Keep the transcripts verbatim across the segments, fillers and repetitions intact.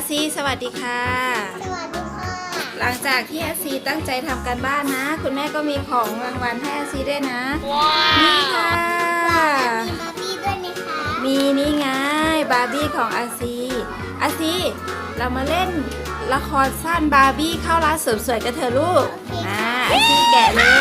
ซีสวัสดีค่ะสวัสดีค่ะหลังจากที่อาซีตั้งใจทำการบ้านนะคุณแม่ก็มีของรางวัลให้อาซีด้วยนะนี่ค่ะมีบาร์บี้ด้วยไหมคะมีนี่ไงบาร์บี้ของอาซีอาซีเรามาเล่นละครสั้นบาร์บี้เข้าร้านเสริมสวยกันเถอะลูกอ่าอาซีแกะเลย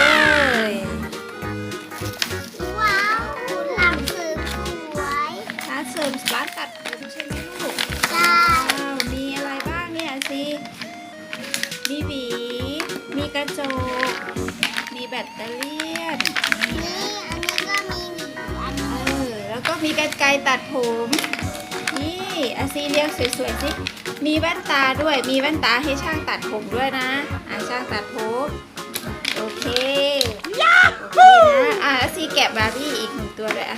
ว้าวหลังคือสวยร้านเสริมร้านตัดผมใช่ไหมลูกใช่ว้าวมีอะไรบ้างเนี่ยอาซีมีหวีมีกระจกมีแบตเตอรี่ยนนี่อันนี้ก็มีหวีอันเอนี้อแล้วก็มีกรรไกรตัดผม นี่อาซีเรียงสวยๆสิ มีแว่นตาด้วย มีแว่นตาให้ช่างตัดผมด้วยนะ อ่าช่างตัดผม โอเคยาฮูนะอ่าอาซีแกะบาร์บี้อีกหนึ่งตัวด้วยอ่ะ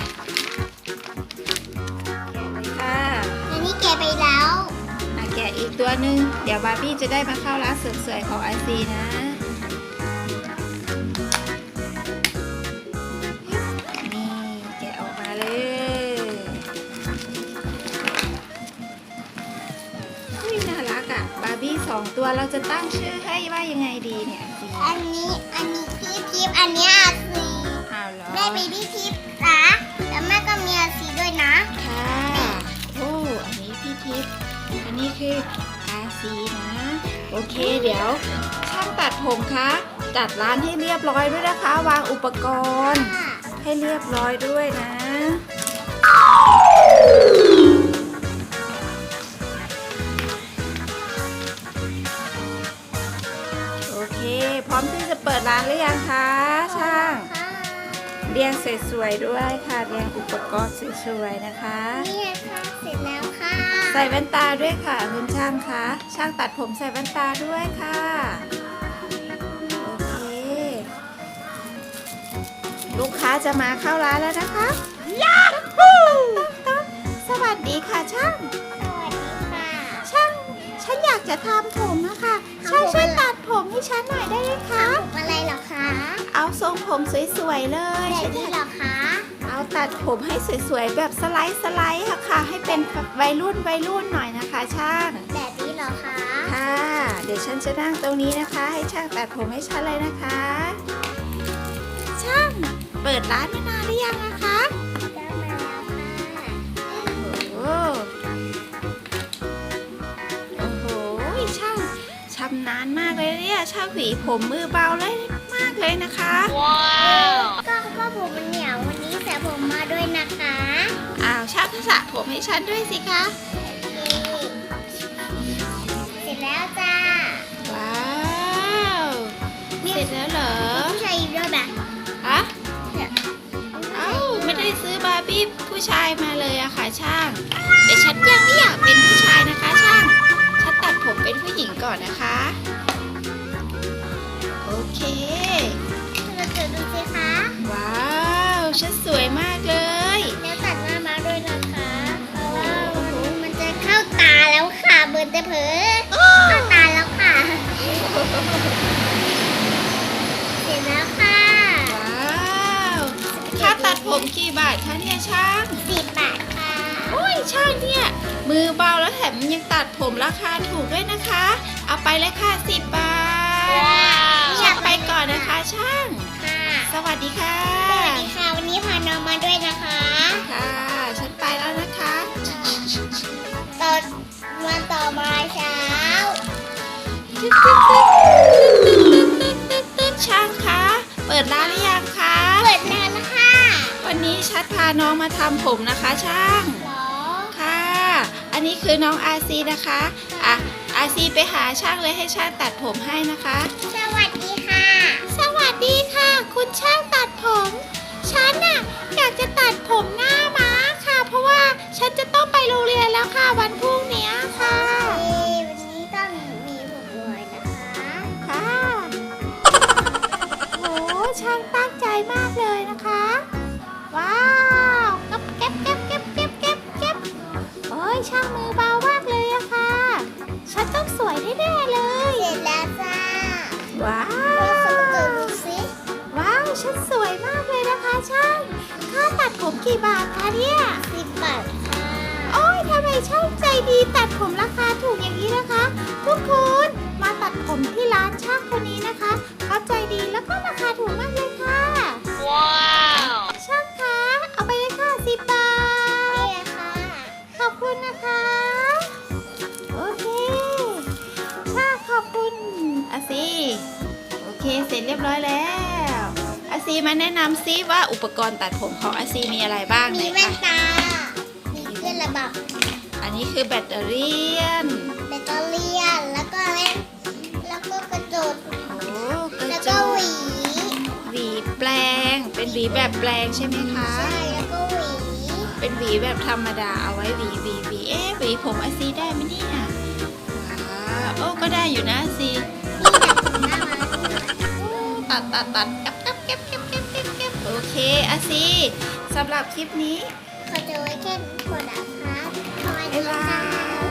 แกะเลยค่ะอันนี้แกะไปแล้วอ่ะแกะอีกตัวหนึ่งเดี๋ยวบาร์บี้จะได้มาเข้าร้านเสริมสวยของอาซีนะ นี่แกะออกมาเลยอุ้ยน่ารักอ่ะบาร์บี้สองตัวเราจะตั้งชื่อให้ว่ายังไงดีเนี่ยอาซีอันนี้อันนี้พี่ทิพย์อันนี้อาซีอ้าวเหรอแม่มีพี่ทิพย์นะแล้วแม่ก็มีอาซีด้วยนะค่ะโอ้อันนี้พี่ทิพย์อันนี้คืออาซีนะ โอเคเดี๋ยว ช่างตัดผมคะจัดร้านให้เรียบร้อยด้วยนะคะ วางอุปกรณ์ค่ะให้เรียบร้อยด้วยนะ โอเค พร้อมที่จะเปิดร้านหรือยังคะช่างค่ะเรียงสวยๆด้วยค่ะ เรียงอุปกรณ์สวยๆนะคะนี่ค่ะเสร็จแล้วค่ะใส่แว่นตาด้วยค่ะคุณช่างคะช่างตัดผมใส่แว่นตาด้วยค่ะ โอเค ลูกค้าจะมาเข้าร้านแล้วนะคะยาฮูสวัสดีค่ะช่างสวัสดีค่ะช่าง ฉันอยากจะทำผมนะคะช่างช่วยตัดผมให้ฉันหน่อยได้ไหมคะผมอะไรเหรอคะเอาทรงผมสวยๆเลยแบบฉันอนี้ยากเหรอคะเอาตัดผมให้สวยๆแบบสไลด์สไลด์ค่ะค่ะ ให้เป็นวัยรุ่นวัยรุ่นหน่อยนะคะช่างแบบนี้เหรอคะค่ะ เดี๋ยวฉันจะนั่งตรงนี้นะคะ ให้ช่างตัดผมให้ฉันเลยนะคะ ช่างเปิดร้านมานานหรือยังนะคะได้มาแล้วค่ะโอ้โหโอ้โหช่างชำนาญมากเลยเนี่ยช่างหวีผมมือเบาเลยมากเลยนะคะก็ก็ผมมันเหนียววันนี้ใส่ผมมาด้วยนะคะอ้าวช่างสระผมให้ฉันด้วยสิคะเสร็จแล้วจ้าว้าวเสร็จแล้วเหรอผู้ชายอีกด้วยแบบฮะ เอ้าไม่ได้ซื้อบาร์บี้ผู้ชายมาเลยอะค่ะช่าง แต่ฉันยังไม่อยากเป็นผู้ชายนะคะช่าง ฉันตัดผมเป็นผู้หญิงก่อนนะคะ โอเคเราจะดูสิคะว้าว ฉันสวยมากเลยแล้วตัดหน้ามาด้วยนะคะเพราะว่ามันจะเข้าตาแล้วค่ะเบิร์นแต่เผลอเข้าตาแล้วค่ะ เสร็จแล้วค่ะว้าวค่าตัดผมกี่บาทคะเนี่ยช่างสิบบาทค่ะโอ้ยช่างเนี่ย มือเบาแล้วแถมยังตัดผมราคาถูกด้วยนะคะ เอาไปเลยค่ะสิบบาทช่างไปก่อนนะคะช่างค่ะสวัสดีค่ะสวัสดีค่ะ วันนี้พาน้องมาด้วยนะคะค่ะ ฉันไปแล้วนะคะตอนวันต่อมาเช้าช่างคะ เปิดร้านหรือยังคะเปิดนานแล้วค่ะวันนี้ชัดพาน้องมาทำผมนะคะช่างเหรอค่ะ อันนี้คือน้องอาซีนะคะ อ่ะ อาซีไปหาช่างเลยให้ช่างตัดผมให้นะคะสวัสดีค่ะสวัสดีค่ะ คุณช่างตัดผม ฉันน่ะอยากจะตัดผมหน้าม้าค่ะ เพราะว่าฉันจะต้องไปโรงเรียนแล้วค่ะวันพรุ่งนี้ค่ะเอ้ยวันนี้ต้องมีผมด้วยนะคะค่ะโหช่างตั้งใจมากเลยนะคะ ว้าวเก็บเก็บเก็บเก็บเก็บเก็บเก็บโอ้ยช่างมือเบามากเลยอะค่ะ ฉันต้องสวยแน่ๆเลยเสร็จแล้วจ้าว้าเราสมตัววดูสิว้าวฉันสวยมากเลยนะคะช่าง ค่าตัดผมกี่บาทคะเนี่ยสิบบาทค่ะโอ้ยทำไมช่างใจดีตัดผมราคาถูกอย่างนี้ร็จเรียบร้อยแล้วอาซีมาแนะนำซิว่าอุปกรณ์ตัดผมของอาซีมีอะไรบ้างมีไหนแว่นคะตา มีเครื่องระบับอันนี้คือแบตเตอรี่นแบตเตอรี่แล้วก็แว่นแล้วก็กระจกโอ้กระแล้วจก็กหวีหวีแปลง เป็นหวีแบบแปลงใช่ไหมคะใช่แล้วก็หวีเป็นหวีแบบธรรมดาเอาไว้หวีหวีหวีเอ๊ะหวีผมอาซีได้ไหมเนี่ยว้าวโอ้ก็ได้อยู่นะอาซีนี่แบบผมน่ารักตัดตัดตัดเก็บเก็บเก็บเก็บเก็บเก็บเก็บโอเคอาซีสำหรับคลิปนี้เขาจะไว้แค่นี้ก่อนนะคะขอบบ๊ายคุณบาค่ะย